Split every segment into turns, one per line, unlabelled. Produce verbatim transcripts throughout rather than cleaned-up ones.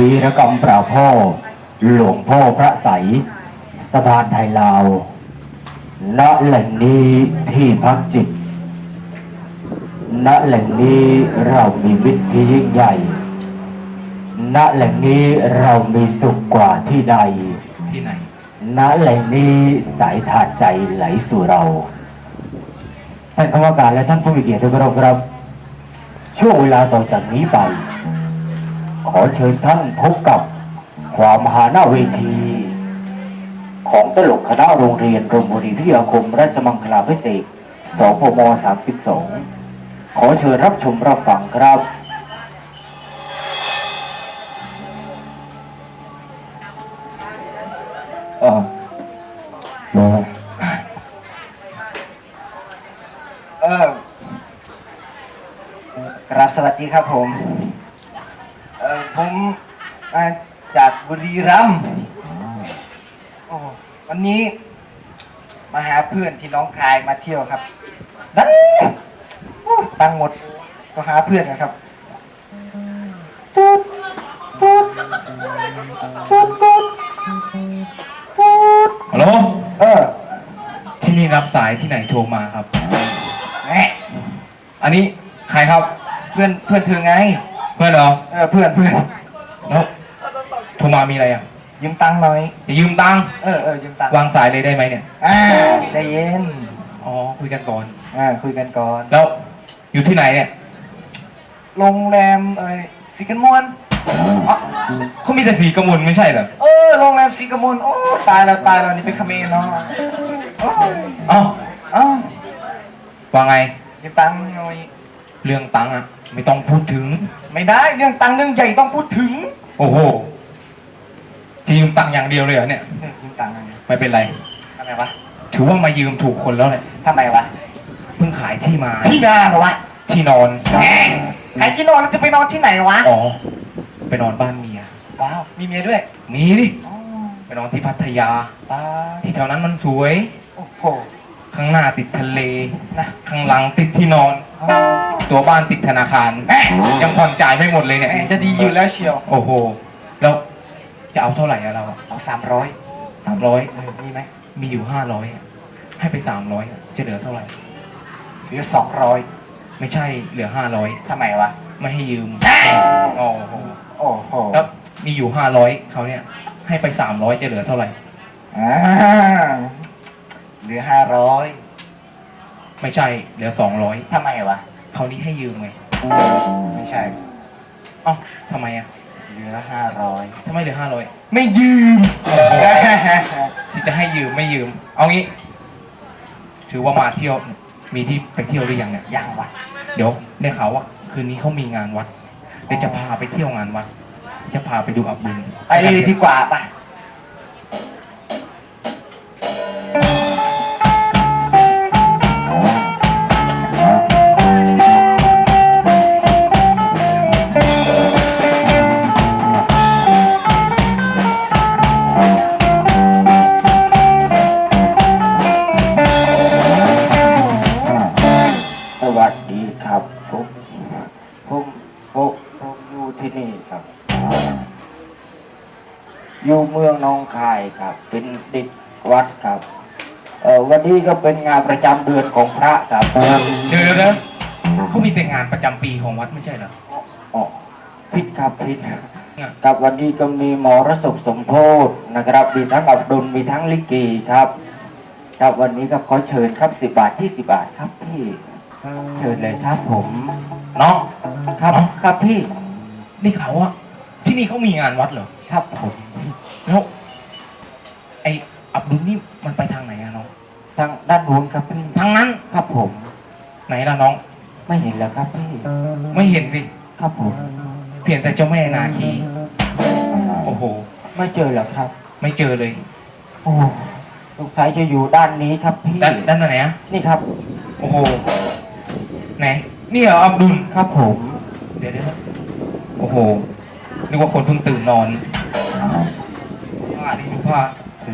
วีรกรรมปราบพ่อหลวงพ่อพระใสยสะพานไทยลาวณแหล่งนี้ที่พักจิตณแหล่งนี้เรามีวิทย์ที่ยิ่งใหญ่ณแหล่งนี้เรามีสุขกว่าที่ใด
ที่ไหน
ณแหล่งนี้สายทานใจไหลสู่เราท่านคณะกรรมการและท่านผู้มีเกียรติทุกท่านครับช่วงเวลาต่อจากนี้ไปขอเชิญท่านพบกับความหาหน้าเวทีของตลกคณะโรงเรียนรมบุรีวิทยาคมราชมังคลาภิเษกสพมสามสิบสองขอเชิญรับชมรับฟังครับ
เออเออครับสวัสดีครับผมเออผมมาจากบุรีรัมย์โอ้วันนี้มาหาเพื่อนที่น้องคายมาเที่ยวครับดันตังหมดก็หาเพื่อนนะครับปุ๊บปุ๊บปุ๊บปุ๊บปุ๊บ
ฮัลโหล
เออ
ที่นี่รับสายที่ไหนโทรมาครับ
แหม
อันนี้ใครครับ
เพื่อนเพื่อนเธอไง
เพื่อนเหรอ
เออเพื่อนเพื่อน
แล้วโทรมามีอะไรอ่ะ
ยืมตังค์หน่อย
จะยืมตังค์
เออเออยืมตังค์
วางสายเลยได้ไหมเนี่ย
อ่าใจเย็น
อ๋อคุยกันก่อน
อ่าคุยกันก่อน
แล้วอยู่ที่ไหนเนี่ย
โรงแรมเออสีกันมวน
เขามีแต่สีกระมุนไม่ใช่เหรอ
เออโรงแรมสีกมลโอ้ตายแล้วตายแล้วนี่เป็นเขมรเนาะ
เอ้าเอ้าว่าไง
ยืมตังค์หน่อย
เรื่องตังค์อ่ะไม่ต้องพูดถึง
ไม่ได้เรื่องตังค์เรื่องใหญ่ต้องพูดถึง
โอ้โหจะยืมตังค์อย่างเดียวเลยเหรอเนี่ย
ยืมตังค์
ไม่เป็นไร
ทำไมวะ
ถือว่ามายืมถูกคนแล้วเลย
ทำไมวะ
เพิ่งขายที่มา
ที่นาเหรอวะ
ที่นอน
ขายที่นอนแล้วจะไปนอนที่ไหนวะ
อ๋อไปนอนบ้านเมีย
ว้าวมีเมียด้วย
มีดิไปนอนที่พัทยาที่แถวนั้นมันสวย
โอ้โห
ข้างหน้าติดทะเลนะข้างหลังติดที่นอนตัวบ้านติดธนาคารยังผ่อนจ่ายไม่หมดเลยเนี่ย
จะดีอยู่แล้วเชียว
โอ้โหแล้วจะเอาเท่าไหร่อะเรา
เอาสามร้อย
สามร้อย
มีไหม
มีอยู่ห้าร้อยให้ไปสามร้อยจะเหลือเท่าไหร่
เหลือสองร้อย
ไม่ใช่เหลือห้าร้อย
ทำไมวะ
ไม่ให้ยืมโอ้โห
โอ้โห
แล้วมีอยู่ห้าร้อยเขาเนี่ยให้ไปสามร้อยจะเหลือเท่าไหร่
อ่าเหลือห้าร้อย
ไม่ใช่เหลือสองร้อย
ทำไมวะ
เขานี้ให้ยืมไง
ไม่ใช่
อ๋อทำไมอ่ะ
เหลือห้าร้อย
ทำไมเหลือห้าร้อย
ไม่ยืม
ที่จะให้ยืมไม่ยืมเอางี้ถือว่ามาเที่ยวมีที่ไปเที่ยวหรือยังเนี่ย
ยังวะ
เดี๋ยวได้ข่าวว่าคืนนี้เขามีงานวัดเดี๋ยวจะพาไปเที่ยวงานวัดจะพาไปดูอับดุล
ไปเลยดีกว่าป่ะ
สวัสดีครับผมผมผมผมอยู่ที่นี่ครับอยู่เมืองหนองคายครับเป็นเด็กวัดครับเออวันนี้ก็เป็นงานประจำเดือนของพระครับ
เดี๋ยวนะเขามีแต่งานประจำปีของวัดไม่ใช่เหรอ
อ๋อผิดครับผิดครับวันนี้ก็มีมรสพสมโพธินะครับมีทั้งอับดุลมีทั้งลิเกครับครับวันนี้ก็ขอเชิญครับสิบบาทที่สิบบาทครับพี่เชิญเลยครับผม
น้อง
ครับครับพี่
นี่เขาว่าที่นี่เขามีงานวัดเหรอ
ครับผม
แล้วไออับดุลนี่มันไปทางไหนอะน้อง
ทางด้านนู้นครับพี่
ทางนั้น
ครับผม
ไหนล่ะน้อง
ไม่เห็นแล้วครับพี่
ไม่เห็นสิ
ครับผม
เพียงแต่เจ้าแม่นาคีโอ้โห
ไม่เจอหรอครับ
ไม่เจอเลย
โอ้ลูกชายจะอยู่ด้านนี้ครับพี่
ด้านด้านไหนอะ
นี่ครับ
โอ้โหไหนนี่เหรออับดุล
ครับผม
เดี๋ยวเดี๋ยวโอ้โหนึกว่าคนเพิ่งตื่นนอนผ้านี่ดูผ้า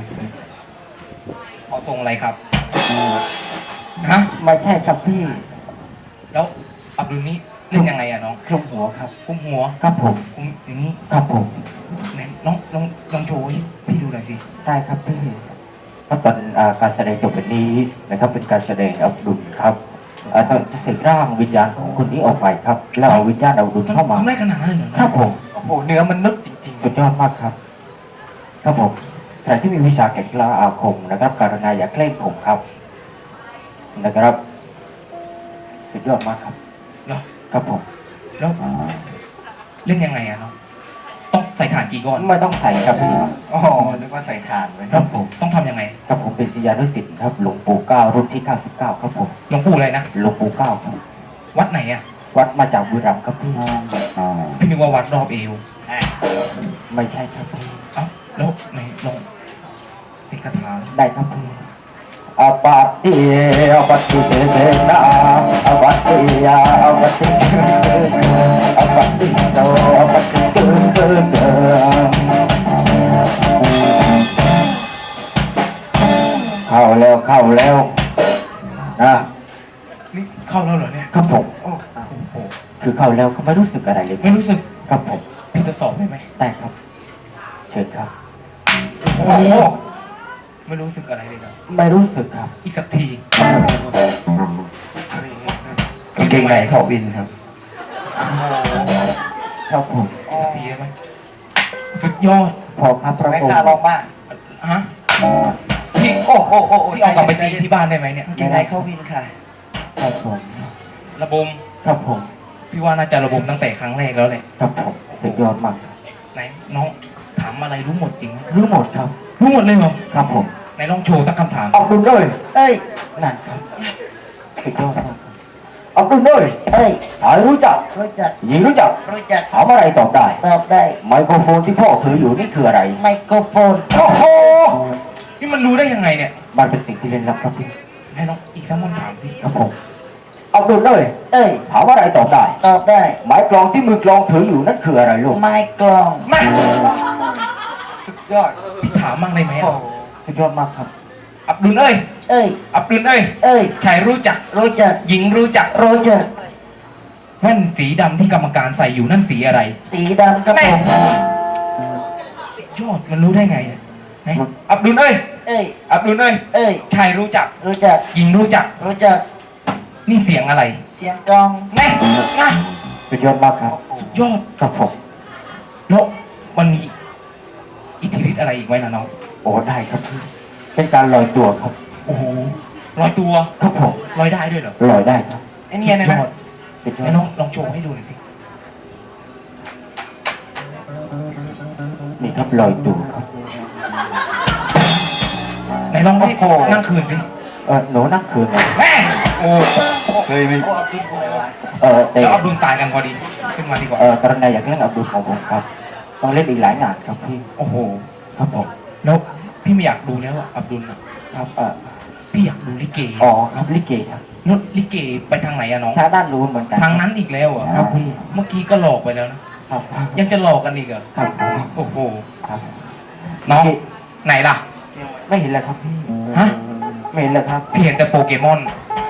เอาทรงอะไรครับฮะ
ไม่ใช่ครับพี่
แล้วอับดุลนี้เล่นยังไงอะน้อง
คลุมหัวครับ
คุมหัว
ครับผม
คุมอย่างนี้
ครับผม
ไหนน้องลองลองโชว์ให้พี่ดูหน่อยสิ
ได้ครับพี่เพราะตอนอ่าการแสดงจบวันนี้นะครับเป็นการแสดงอับดุลครับอ่าต้องเสกร่างวิญญาณของคนนี้ออกไปครับแล้วเอาวิญญาณอับดุลเข้ามา
ทำได้ขนาดนั้นเลยเหรอ
ครับผม
โอ้โหเนื้อมันนึกจริง
สุดยอดมากครับ ครับผมใครที่มีวิชาแก่กล้าอาคมนะครับการณาอย่าแกล้งผมครับนะครับ สุดยอดมากครับ
เหรอ
ครับผม
แล้วเล่นยังไงอะน้องต้องใส่ถ่านกี่ก้อน
ไม่ต้องใส่ครับพี่
ๆอ๋อนึกว่าใส่ถ่านไว้
ครับผม
ต้องทำยังไง
ครับผมเป็นศิษยานุศิษย์ครับหลวงปู่เก้ารุ่นที่เก้าสิบเก้าครับผม
หลวงปู่อะไรนะ
หลวงปู่เก้าครับ
วัดไหนอะ
วัดมาจากบุรีรัมย์ครับพี่
พี่นึกว่าวัดรอบเอว
อ่ะ
ไม่ใช่ครับพี่
เอ้าแล้วไหนลองสิกถา
ได้ครับพี่อาปาติอาปาติเตเตนะอาปาติอาปาติอาปาติโตอาปาติเกเกเกเข้าแล้วเข้าแล้วนะ
นี่เข้าแล้วเหรอเนี่ย
ครับผม
โอ้โห
คือเข้าแล้วก็ไม่รู้สึกอะไรเลย
ไม่รู้สึก
ครับผม
พี่จะสอบได้ไหม
ได้ครับเชิญครับ
โอ้โหไม่รู้สึกอะไรเลยนะ
ไม่รู้สึกครับ
อีกสักที
กางเกงในเขาบินครับครับผม
อีกสักทีได้ไหมสุดยอด
พอครับพระ
ไม่
อง
กล้า
ค์
ลองบ้าง
ฮะพี่
โอ้โหโอ้โห
พี่เอากลับไปตีที่บ้านได้ไหมเนี่ย
กินไหนเข้าวินค่ะ
ครับผม
ระบม
ครับผม
พี่ว่าน่าจะระบมตั้งแต่ครั้งแรกแล้วแหละ
ครับผมสุดยอดมากครับ
ไหนน้องถามอะไรรู้หมดจริงไหม
รู้หมดครับ
รู้หมดเลยเหรอ
ครับผม
ไหนลองโชว์สักคำถาม
ออกดุลเลย
เอ้ย
นั่นครับสุดยอดมากครับออกดุลเลย
เอ้ย
ชายรู้จัก
รู้จัก
หญิงรู้จัก
รู้จัก
ถามอะไรตอบได้
ตอบได้
ไมโครโฟนที่พ่อถืออยู่นี่คืออะไร
ไมโครโฟน โอ้โห
นี่มันรู้ได้ยังไงเนี่ย
มันเป็นสิ่งที่เล่นลับครับพี่
ไหนลองอีกสักคำถามสิ
ครับผมออกดุลเลย
เอ้ย
ถามอะไรตอบได้
ตอบได้
ไม้กลองที่มือกลองถืออยู่นั่นคืออะไรลูก
ไม้กลอง
มา
สุดยอด
พี่ถามมั่งได้ไหม
โอ้
อะ
โห
สุดยอดมากครับ
อับดุลเอ้ย
เอ้ย
อับดุลเอ้ย
เอ้ย
ชายรู้จัก
รู้จัก
หญิงรู้จัก
รู้จัก
แว่นสีดำที่กรรมการใส่อยู่นั่นสีอะไร
สีดำครับผม
ยอดมันรู้ได้ไงเนี่ยไหนอับดุลเอ้ย
เอ้ย
อับดุลเอ้ย
เอ้ย
ชายรู้จัก
รู้จัก
หญิงรู้จัก
รู้จัก
นี่เสียงอะไร
เสียงกลอง
แน่นะ
สุดยอดมากครับ
สุดยอด
ครับผม
แล้วมันมีอิทธิฤทธิ์อะไรอีกไหมล่ะน้อง
โอ้ได้ครับพี่เป็นการลอยตัวครับ
โอ้โหลอยตัว
ครับผม
ลอยได้ด้วยเหรอ
ลอยได้ครับ
ไอ้เนี่ยนะ
สุด
นะ
ยอด
สุดยอ
ไหน
ด
น้องลองโชว์ให้ดูหน่อยสิ
นี่ครับลอยตัวครับ
ไหนลองให้
โอ้โห
นั่งคืนสิ
เออหนูนั่งคืนเลย
แม่โอ้
เคยมี
โอ้อับดุลอะไรวะ
เออแต่
แล้วอับดุลตายกันพอดีขึ้นมาดีกว่า
เออกรณีอยากเล่นอับดุลของผมครับ ต้องเล่นอีกหลายงานครับพี่
โอ้โห
ครับผม
แล้วพี่ไม่อยากดูแล้วอะอับดุลอะ
ครับเออ
พี่อยากดูลิเก
อ๋อครับลิเกครับ
นดลิเกไปทางไหนอะน้อง
ทางด้านนู้นเหมือนกัน
ทางนั้นอีกแล้วเหรอะ
ครับพี่
เมื่อกี้ก็หลอกไปแล้วนะ
ครับ
ยังจะหลอกกันอีกเหรอ
ครับ
โอ้โห
ครับ
น้องไหนล่ะ
ไม่เห็นเลยครับพี่
ฮะ
ไม่เห็นเลยครับ
พี่เห็นแต่โปเกมอน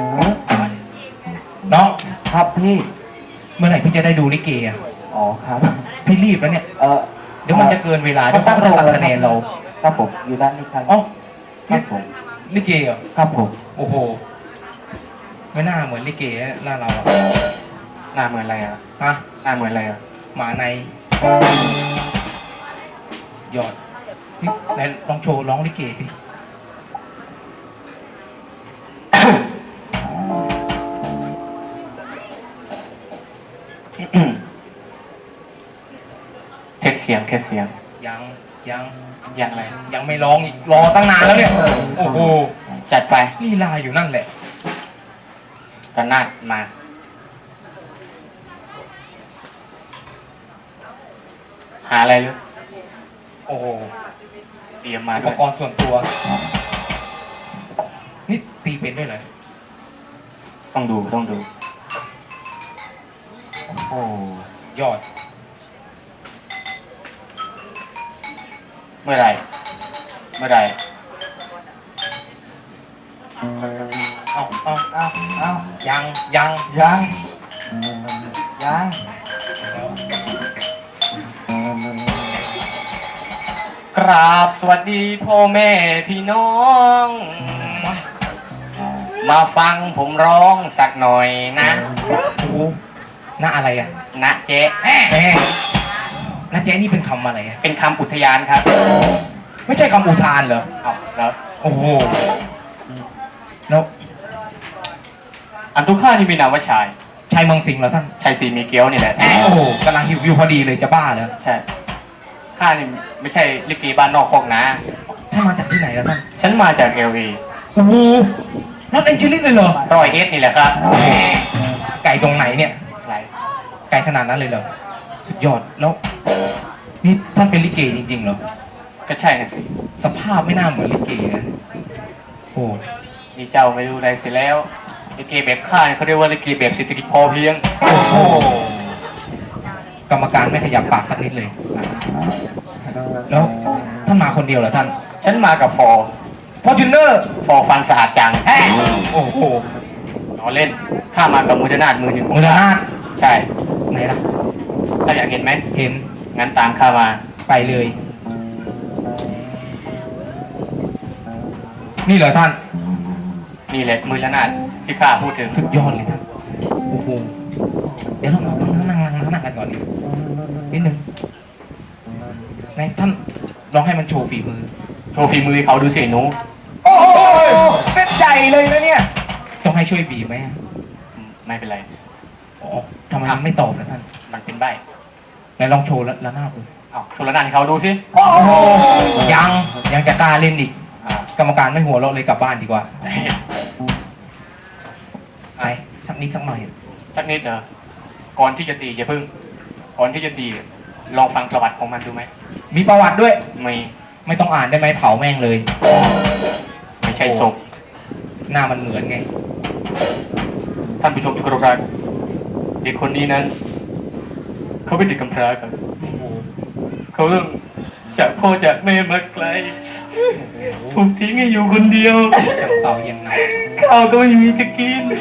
น้อง
ครับพี่
เมื่อไหร่พี่จะได้ดูลิเกอะ
อ๋อครับ
พี่รีบแล้วเนี่ย
เออ
เดี๋ยวมันจะเกินเวลาเดี๋ยวเขาก็จะตัดคะแนนเรา
ครับผมอยู่ด้านนี้ครับ
อ๋อ
ครับผม
ลิเกเหรอ
ครับผม
โอ้โห ไม่น่าเหมือนลิเกนะหน้าเราอะ
หน้าเหมือนอะไรอ่ะ
ฮะ
หน้าเหมือนอะไรอ่ะ
หมาในยอดนี่ไหนลองโชว์ร้องลิเกสิ
เทสเสียงเทสเสียง
ยังยัง
อย่างไร
ยังไม่ร้องอีกรอตั้งนานแล้วเนี่ย โอ้โห
จัดไป
ลีลาอยู่นั่นแหละ
กันนาดมา หาอะไรหรือ
โอ้โห
เตรียมมา
อุ
ด้
ป
วย
กรณ์ส่วนตัว นี่ตีเป็นด้วยเหรอ
ต้องดูต้องดู โอ้
ยอด
เมื่อไหรเมื่อไหร
เอาเอา
เอาเอา
ยังยัง
ยังยัง
กราบสวัสดีพ่อแม่พี่น้อง มาฟังผมร้องสักหน่อยนะ
โอ้โหหน้าอะไรอ่ะ
นะเจ๊
แม่น้าเจ๊นี่เป็นคำอะไรอ่ะ
เป็นคำอุทยานครับ
ไม่ใช่คำอุทานเหรอ
เอาแล้ว
โอ้โหแล้ว
อันทุกข้านี่มีนามว่าชาย
ชายเมืองสิงห์เหรอท่าน
ชายสีมีเกี้ยวนี่แหละ
โอ้โหกำลังหิวอยู่พอดีเลยจะบ้าแล้ว
ใช่ข้านี่ไม่ใช่ลิเกบ้านนอกคอกนะ
ท่านมาจากที่ไหนแล้วท่าน
ฉันมาจากเอลวี
โอ้โหลอสแองเจลิสเลยเหรอ
รอยเอสนี่แหละครับ
ไก่ตรงไหนเนี่ย
อะไร
ไก่ขนาดนั้นเลยเหรอ สุดยอด แล้ว นี่ท่านเป็นลิเกจริงๆเหรอ
ก็ใช่นะสิ
สภาพไม่น่าเหมือนลิเกนะโอ้
นี่เจ้าไม่รู้อะไรเสียแล้วลิเกแบบข้าเนี่ยเขาเรียกว่าลิเกแบบเศรษฐกิจพอเพียง
โอ้โหกรรมการไม่ขยับปากสักนิดเลย แล้วท่านมาคนเดียวเหรอท่าน
ฉันมากับฟอร์
ฟอร์จูเนอร์
ฟอร์ฟันสะอาดจัง
โอ้โห
ล้อเล่นข้ามากับมือนาดมือหนึ่ง
มือละนาด
ใช่
ไหนล่ะ
ถ้าอยากเห็นไหม
เห็น
งั้นตามข้ามา
ไปเลย นี่เหรอท่าน
นี่แหละมือละนาดที่ข้าพูดถึง
สุดยอดเลยท่าน โอ้โห เดี๋ยวเรามานั่งนั่งนั่งนั่งกันก่อนนิดนึงไหนท่านลองให้มันโชว์ฝีมือ
โชว์ฝีมือให้เขาดูสิหนู
โอ้โหเป็นใจเลยนะเนี่ย
ต้องให้ช่วยบีบไหม
อืมไม่เป็นไร
อ๋อทำไมมันไม่ตอบล่ะท่าน
มันเป็นใบ
ไหนลองโชว์แล้วแล้วหน้าดู
เอาโชว์ละนาดให้เขาดูสิ
โอ้โห
ยังยังจะกล้าเล่นอีก
อ่าก
รรมการไม่หัวเราะเลยกลับบ้านดีกว่าไปสักนิดสักหน่อย
สักนิดเถอะก่อนที่จะตีอย่าเพิ่ง ก่อนที่จะตีลองฟังประวัติของมันดูไหม
มีประวัติด้วย
ไม่
ไม่ต้องอ่านได้ไหมเผาแม่งเลย
ไม่ใช่ศพ
หน้ามันเหมือนไง
ท่านผู้ชมที่เคารพรักเด็กคนนี้นั้น เขาเป็นเด็กกำพร้าครับเขาเริ่มจากพ่อจากแม่มาไกล ถูกทิ้งให้อยู่คนเดียว
จังเสาเย็นหนาว
ข้าวก็ไม่มีจะกิน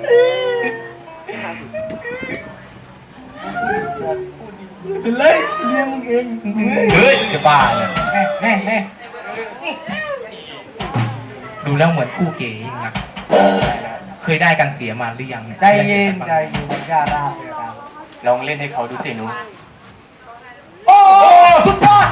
เป็นไรเลี้ยงมึงเอง
เฮ้ยจะบ้าเลย
แน่แน่แน่
ดูแล้วเหมือนคู่เก๋ยิ่งนะเคยได้กันเสียมาหรือยังเนี่ย
ใจเย็นใจเย็นอย่าราบอย่าราบ
ลองเล่นให้เขาดูสิหนู
โอ้โหสุดยอด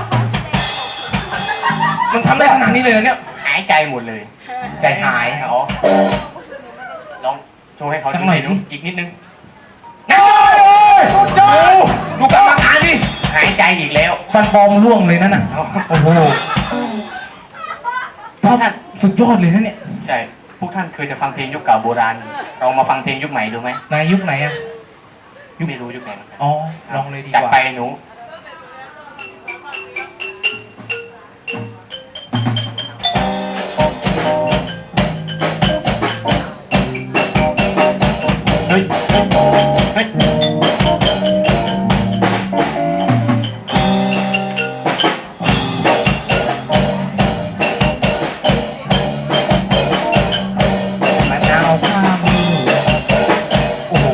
มันทำได้ขนาดนี้เลยเหรอเนี่ย
หายใจหมดเลย
ใจหาย
อ๋อลองโชว์ให้เขา
สั
ดู
กหน่อย
สิหนู
สิ
อีกนิดนึง
สุดยอด
ดูกรรมการดิ
หายใจอีกแล้ว
ฟันปลอมร่วงเลยนั่นน่ะ โอ้โห
พวกท่าน
สุดยอดเลยนะเนี่ย
ใช่ พวกท่านเคยจะฟังเพลงยุคเก่าโบราณลองมาฟังเพลงยุคใหม่ดูไหม
นายยุคไหนอะ
ยุคไม่รู้ยุคไหนเหมือนกัน
อ๋อ ลองเลยดีก
จัด
ว่า
ไปหนู เฮ้ย เฮ้ย
มะนาวข้ามมือโอ้โห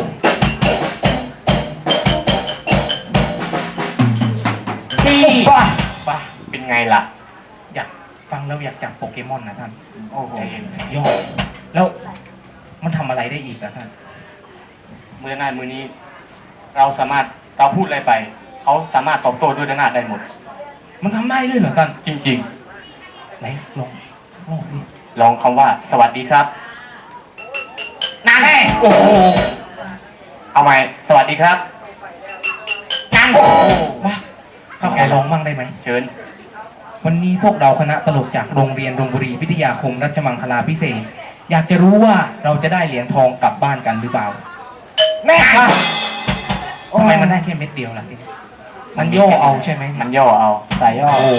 นี่
ว้า
ป่ะ เป็นไงล่ะ
อยากฟังแล้วอยากจับโปเกมอนนะท่าน
โอ้โห
ยอด แล้วมันทำอะไรได้อีกนะท่าน
มือหน้ามือนี้ เราสามารถ เราพูดอะไรไป เขาสามารถตอบโต้ด้วยหน้าได้หมด
มันทำได้ด้วยเหรอท่าน
จริง
ไหนลองลองดิ
ๆ ลองคำว่า สวัสดีครับนั่นแน่
โอ้โห
เอาใหม่ สวัสดีครับนั่น
ว้าข้าขอลองมั่งได้ไหม
เชิญ
วันนี้พวกเราคณะตลกจากโรงเรียนดงบุรีวิทยาคมรัชมังคลาพิเศษกอยากจะรู้ว่าเราจะได้เหรียญทองกลับบ้านกันหรือเปล่า
แน่ค่ะ
ทำไมมันได้แค่เม็ดเดียวล่ะทีนี้มันย่อเอาใช่ไหม
มันย่อเอา
ใส่ย่อ
โอ้โห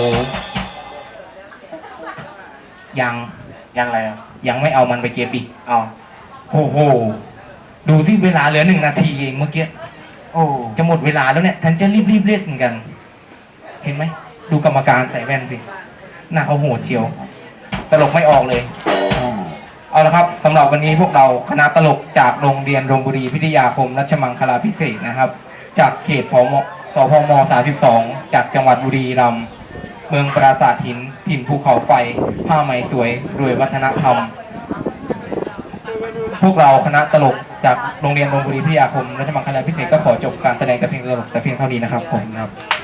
ยัง
ยังอะไรอ่ะ
ยังไม่เอามันไปเก็บอีก
เอา
โอ้โห ดูที่เวลาเหลือหนึ่งนาทีเองเมื่อกี้
โอ้
จะหมดเวลาแล้วเนี่ยท่านจะรีบรีบเล่นกัน เห็นไหม ดูกรรมการใส่แว่นสิ หน้าเขาโหดเชียว ตลกไม่ออกเลย
เ
เอาละครับสำหรับวันนี้พวกเราคณะตลกจากโรงเรียนโรงบุรีพิทยาคมรัชมังคลาภิเษกนะครับ จากเขตสมสพมสามสิบสองจากจังหวัดบุรีรัมย์เมืองปราสาทหินถิ่นภูเขาไฟผ้าไหมสวยรวยวัฒนธรรม พวกเราคณะตลกจากโรงเรียนโรงบุรีพิทยาคมรัชมังคลาภิเษกก็ขอจบการแสดงแต่เพียงตลกแต่เพียงเท่านี้นะครับผมครับ